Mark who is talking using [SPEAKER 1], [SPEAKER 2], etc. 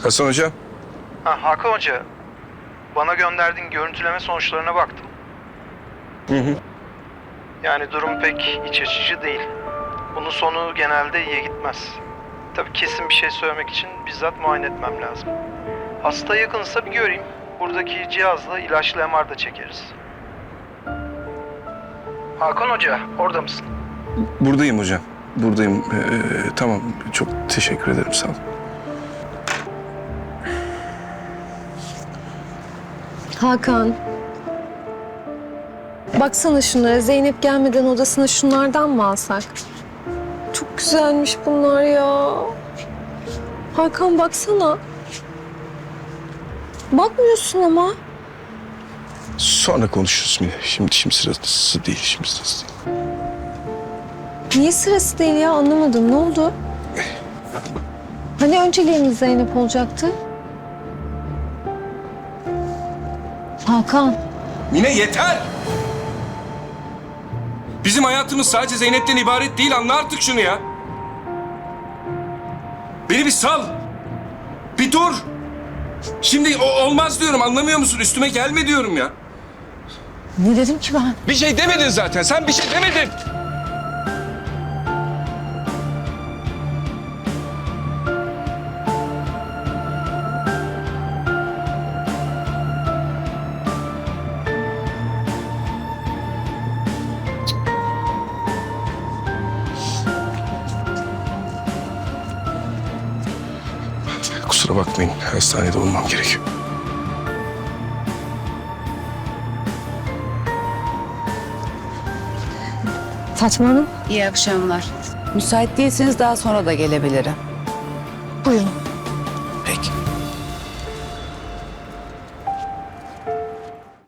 [SPEAKER 1] Hasan Hocam.
[SPEAKER 2] Hakan Hoca, bana gönderdiğin görüntüleme sonuçlarına baktım.
[SPEAKER 1] Hı.
[SPEAKER 2] Yani durum pek iç açıcı değil. Bunun sonu genelde iyiye gitmez. Tabii kesin bir şey söylemek için bizzat muayene etmem lazım. Hasta yakınsa bir göreyim. Buradaki cihazla ilaçlı MR da çekeriz. Hakan Hoca, orada mısın?
[SPEAKER 1] Buradayım hocam. Buradayım. Tamam. Çok teşekkür ederim. Sağ olun.
[SPEAKER 3] Hakan. Baksana şunlara. Zeynep gelmeden odasına şunlardan mı alsak? Çok güzelmiş bunlar ya. Hakan baksana. Bakmıyorsun ama.
[SPEAKER 1] Sonra konuşuruz Mine. Şimdi sırası değil. Şimdi sırası değil.
[SPEAKER 3] Niye sırası değil ya? Anlamadım. Ne oldu? Hani önceliğimiz Zeynep olacaktı? Hakan.
[SPEAKER 4] Mine yeter! Bizim hayatımız sadece Zeynep'ten ibaret değil. Anla artık şunu ya. Beni bir sal. Bir dur. Şimdi olmaz diyorum, anlamıyor musun? Üstüme gelme diyorum ya.
[SPEAKER 3] Ne dedim ki ben?
[SPEAKER 4] Bir şey demedin zaten. Sen bir şey demedin.
[SPEAKER 1] Kusura bakmayın. Hastanede olmam gerekiyor.
[SPEAKER 3] Fatma Hanım.
[SPEAKER 5] İyi akşamlar. Müsait değilseniz daha sonra da gelebilirim.
[SPEAKER 3] Buyurun.